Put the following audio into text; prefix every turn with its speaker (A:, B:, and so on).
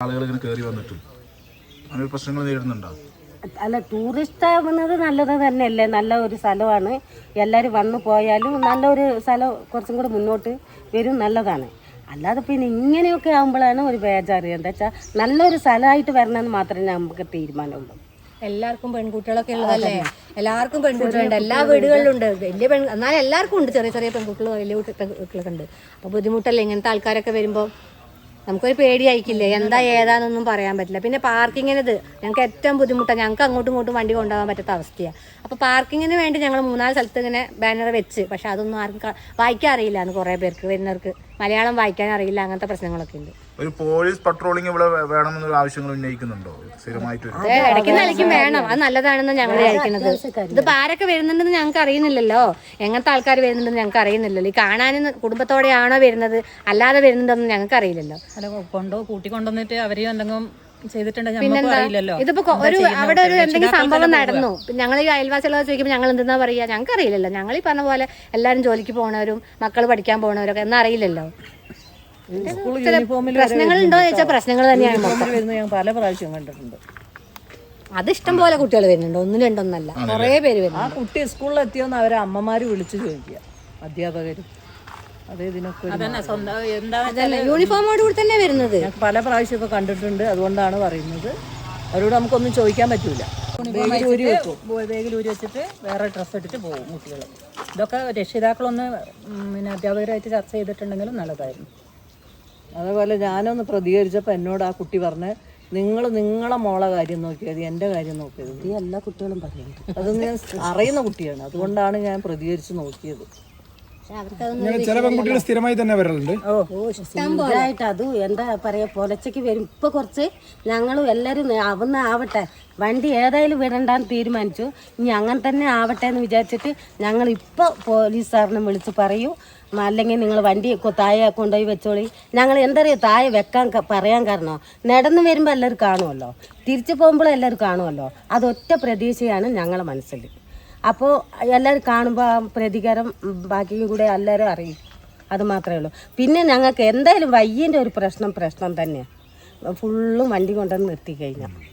A: ആളുകൾ ഇങ്ങനെ കയറി വന്നിട്ട് അങ്ങനെ പ്രശ്നങ്ങൾ നേരിടുന്നുണ്ടോ?
B: അല്ല, ടൂറിസ്റ്റ് ആവുന്നത് നല്ലത് തന്നെയല്ലേ, നല്ല ഒരു സ്ഥലമാണ്. എല്ലാവരും വന്നു പോയാലും നല്ലൊരു സ്ഥലം കുറച്ചും കൂടെ മുന്നോട്ട് വരും, നല്ലതാണ്. അല്ലാതെ പിന്നെ ഇങ്ങനെയൊക്കെ ആകുമ്പോഴാണ് ഒരു ബേജാറ്. എന്താ വെച്ചാൽ നല്ലൊരു സ്ഥലമായിട്ട് വരണമെന്ന് മാത്രമേ നമുക്ക് തീരുമാനമുള്ളൂ.
C: എല്ലാവർക്കും പെൺകുട്ടികളൊക്കെ ഉള്ളതല്ലേ, എല്ലാവർക്കും പെൺകുട്ടികളുണ്ട്, എല്ലാ വീടുകളിലുണ്ട്. വലിയ എന്നാലും എല്ലാവർക്കും ഉണ്ട്, ചെറിയ ചെറിയ പെൺകുട്ടികൾ, വലിയ പെൺകുട്ടികളൊക്കെ ഉണ്ട്. അപ്പോൾ ബുദ്ധിമുട്ടല്ലേ ഇങ്ങനത്തെ ആൾക്കാരൊക്കെ വരുമ്പോൾ, നമുക്കൊരു പേടിയായിരിക്കില്ലേ, എന്താ ഏതാണെന്നൊന്നും പറയാൻ പറ്റില്ല. പിന്നെ പാർക്കിങ്ങിനത് ഞങ്ങൾക്ക് ഏറ്റവും ബുദ്ധിമുട്ടാണ്. ഞങ്ങൾക്ക് അങ്ങോട്ടും ഇങ്ങോട്ടും വണ്ടി കൊണ്ടുപോകാൻ പറ്റാത്ത അവസ്ഥയാണ്. അപ്പോൾ പാർക്കിങ്ങിന് വേണ്ടി ഞങ്ങൾ 3-4 സ്ഥലത്ത് ഇങ്ങനെ ബാനർ വെച്ച്, പക്ഷെ അതൊന്നും ആർക്കും വായിക്കാൻ അറിയില്ല എന്ന് കുറേ പേർക്ക്, വരുന്നവർക്ക് മലയാളം വായിക്കാൻ അറിയില്ല, അങ്ങനത്തെ പ്രശ്നങ്ങളൊക്കെ ഉണ്ട്.
A: ഒരു പോലീസ് പട്രോളിംഗ് ഇവിടെ വേണമെന്നൊരു ആവശ്യങ്ങൾ ഉന്നയിക്കുന്നുണ്ടോ സ്ഥിരമായിട്ട്?
C: ഇടയ്ക്ക് നിലയ്ക്കും വേണം, അത് നല്ലതാണെന്ന് ഞങ്ങൾ വിചാരിക്കുന്നത്. ഇതിപ്പോൾ ആരൊക്കെ വരുന്നുണ്ടെന്ന് ഞങ്ങൾക്ക് അറിയുന്നില്ലല്ലോ, എങ്ങനത്തെ ആൾക്കാർ വരുന്നുണ്ടെന്ന് ഞങ്ങൾക്ക് അറിയുന്നില്ലല്ലോ. ഈ കാണാനും കുടുംബത്തോടെയാണോ വരുന്നത് അല്ലാതെ വരുന്നുണ്ടെന്ന് ഞങ്ങൾക്ക് അറിയില്ലല്ലോ.
D: കൂട്ടിക്കൊണ്ടുവന്നിട്ട് അവരെയും എന്തെങ്കിലും
C: പിന്നെന്താ, ഇതിപ്പോ ഒരു അവിടെ ഒരു എന്തെങ്കിലും സംഭവം നടന്നു, ഞങ്ങൾ ഈ അയൽവാസികളെ ചോദിക്കുമ്പോൾ ഞങ്ങൾ എന്തെന്നാ പറയുക, ഞങ്ങൾക്ക് അറിയില്ലല്ലോ. ഞങ്ങൾ ഈ പറഞ്ഞ പോലെ എല്ലാവരും ജോലിക്ക് പോകണവരും മക്കൾ പഠിക്കാൻ പോകണവരൊക്കെ എന്നാ അറിയില്ലല്ലോ. പ്രശ്നങ്ങളുണ്ടോ എന്ന് ചോദിച്ചാൽ പ്രശ്നങ്ങൾ തന്നെയാണ്.
D: ഞാൻ പല പ്രാവശ്യം കണ്ടിട്ടുണ്ട്.
C: അത് ഇഷ്ടം പോലെ കുട്ടികൾ വരുന്നുണ്ട്, 1-2 കുറേ പേര് വരുന്നു.
D: ആ കുട്ടി സ്കൂളിൽ എത്തിയോന്ന് അവരെ അമ്മമാര് വിളിച്ചു ചോദിക്കുക, അധ്യാപകരും. അതേ ഇതിനൊക്കെ
C: യൂണിഫോമോട് കൂടി തന്നെ വരുന്നത്
D: ഞാൻ പല പ്രാവശ്യം ഇപ്പൊ കണ്ടിട്ടുണ്ട്. അതുകൊണ്ടാണ് പറയുന്നത്, അവരോട് നമുക്കൊന്നും ചോദിക്കാൻ പറ്റൂല. ബേഗിലൂരി വെച്ചിട്ട് വേറെ ഡ്രസ്സ് ഇട്ടിട്ട് പോകും കുട്ടികൾ. ഇതൊക്കെ രക്ഷിതാക്കളൊന്ന് പിന്നെ അധ്യാപകരായിട്ട് ചർച്ച ചെയ്തിട്ടുണ്ടെങ്കിലും നല്ലതായിരുന്നു. അതേപോലെ ഞാനൊന്ന് പ്രതികരിച്ചപ്പോൾ എന്നോട് ആ കുട്ടി പറഞ്ഞ്, നിങ്ങളെ മോളെ കാര്യം നോക്കിയത് എൻ്റെ കാര്യം നോക്കിയത്.
B: എല്ലാ കുട്ടികളും പറയുന്നുണ്ട്.
D: അത് ഞാൻ അറിയുന്ന കുട്ടിയാണ്, അതുകൊണ്ടാണ് ഞാൻ പ്രതികരിച്ച് നോക്കിയത്.
E: ചില പെൺകുട്ടികൾ സ്ഥിരമായി തന്നെ വരലുണ്ട്.
B: സ്ഥിരമായിട്ട് അത് എന്താ പറയാ, പൊലച്ചയ്ക്ക് വരും. ഇപ്പൊ കുറച്ച് ഞങ്ങളും എല്ലാവരും അവന്ന് ആവട്ടെ, വണ്ടി ഏതായാലും വിടണ്ടാന്ന് തീരുമാനിച്ചു. ഇനി അങ്ങനെ തന്നെ ആവട്ടെ എന്ന് വിചാരിച്ചിട്ട് ഞങ്ങൾ ഇപ്പോൾ പോലീസ് സാറിനെ വിളിച്ച് പറയൂ, അല്ലെങ്കിൽ നിങ്ങൾ വണ്ടി താഴെ കൊണ്ടുപോയി വെച്ചോളി. ഞങ്ങൾ എന്തറിയോ താഴെ വെക്കാൻ പറയാൻ കാരണം, നടന്ന് വരുമ്പോൾ എല്ലാവരും കാണുമല്ലോ, തിരിച്ചു പോകുമ്പോഴും എല്ലാവരും കാണുമല്ലോ. അതൊറ്റ പ്രതീക്ഷയാണ് ഞങ്ങളെ മനസ്സിൽ. അപ്പോൾ എല്ലാവരും കാണുമ്പോൾ ആ പ്രതികാരം ബാക്കിയും കൂടെ എല്ലാവരും അറിയും, അത് മാത്രമേ ഉള്ളൂ. പിന്നെ ഞങ്ങൾക്ക് എന്തായാലും വയ്യൻ്റെ ഒരു പ്രശ്നം തന്നെയാണ്. ഫുള്ളും വണ്ടി കൊണ്ടുവന്ന് നിർത്തി കഴിഞ്ഞാൽ